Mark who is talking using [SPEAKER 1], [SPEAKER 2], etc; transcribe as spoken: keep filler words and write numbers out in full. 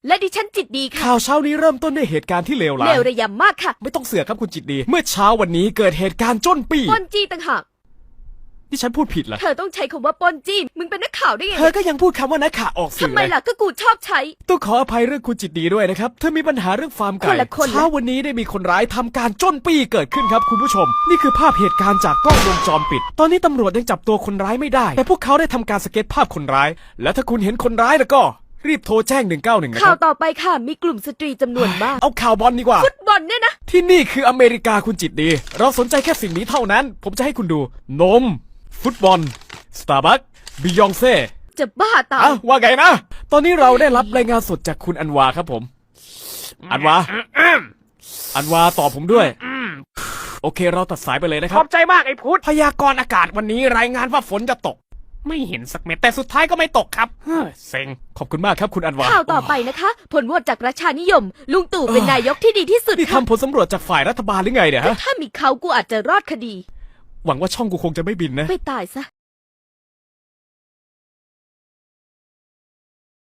[SPEAKER 1] และดิฉันจิตดีค่ะ
[SPEAKER 2] ข่าวเช้านี้เริ่มต้นด้วยเหตุการณ์ที่เลวร้าย
[SPEAKER 1] เลวระยำมากค่ะ
[SPEAKER 2] ไม่ต้องเสือกครับคุณจิตดีเมื่อเช้าวันนี้เกิดเหตุการณ์จ้นปี
[SPEAKER 1] ปนจี้ต่างหาก
[SPEAKER 2] ที่ฉันพูดผิดเหรอ
[SPEAKER 1] เธอต้องใช้คำว่าปนจี้มึงเป็นนักข่าวได้ไง
[SPEAKER 2] เธอก็ยังพูดคำว่านักข่าวออกสื่
[SPEAKER 1] ทำ
[SPEAKER 2] อ
[SPEAKER 1] ไม
[SPEAKER 2] เลย
[SPEAKER 1] ล่ะก็กูชอบใช้
[SPEAKER 2] ต้องขออภัยเรื่องคุณจิตดีด้วยนะครับเธอมีปัญหาเรื่องฟาร์มไก่
[SPEAKER 1] คนละคนนะ
[SPEAKER 2] เช้าวันนี้ได้มีคนร้ายทำการจ้นปี้เกิดขึ้นครับคุณผู้ชม นี่คือภาพเหตุการณ์จากกล้องวงจรปิด ตอนนี้ตำรวจยังจับตัวคนร้ายไม่ได้ แต่พวกเขาได้ทำการสเก็ตภาพคนร้าย และถ้าคุณเห็นคนร้ายแล้วก็รีบโทรแจ้งหนึ่งเก้าหนึ่งนะค
[SPEAKER 1] ข่าว
[SPEAKER 2] รับ
[SPEAKER 1] ต่อไปค่ะ มีกลุ่มสตรีจำนวนมาก
[SPEAKER 2] เอาข่าวบอลดีกว่า
[SPEAKER 1] ฟุตบอลเนี่ยนะ
[SPEAKER 2] ที่นี่คืออเมริกาคุณจิตดี เราสนใจแค่สิ่งนี้เท่านั้น ผมจะให้คุณดู นม ฟุตบอล สตาร์บัคบิยองเซ่
[SPEAKER 1] จะบ้าตาย
[SPEAKER 2] อ่ะว่าไงนะ ตอนนี้เราได้รับรายงานสดจากคุณอันวาครับผม อันวา อันวาตอบผมด้วย โอเคเราตัดสายไปเลยนะค
[SPEAKER 3] ข
[SPEAKER 2] รั
[SPEAKER 3] อ
[SPEAKER 2] บบ
[SPEAKER 3] ใจมากไอ้พุทธ
[SPEAKER 2] พยากรณ์อากาศวันนี้รายงานว่าฝนจะตก ไม่เห็นสักเม็ดแต่สุดท้ายก็ไม่ตกครับเฮ้ยเซ็งขอบคุณมากครับคุณอันวา
[SPEAKER 1] ข่าวต่อไปนะคะ ผลโหวตจากประชานิยม ลุงตู่เป็นนายกที่ดีที่สุด
[SPEAKER 2] นี่
[SPEAKER 1] ค่ะ
[SPEAKER 2] ทำผลสำรวจจากฝ่ายรัฐบาลหรือไงเนี่ยฮะ
[SPEAKER 1] ถ้ามีเขากูอาจจะรอดคดี
[SPEAKER 2] หวังว่าช่องกูคงจะไม่บินนะ
[SPEAKER 1] ไปตายซะ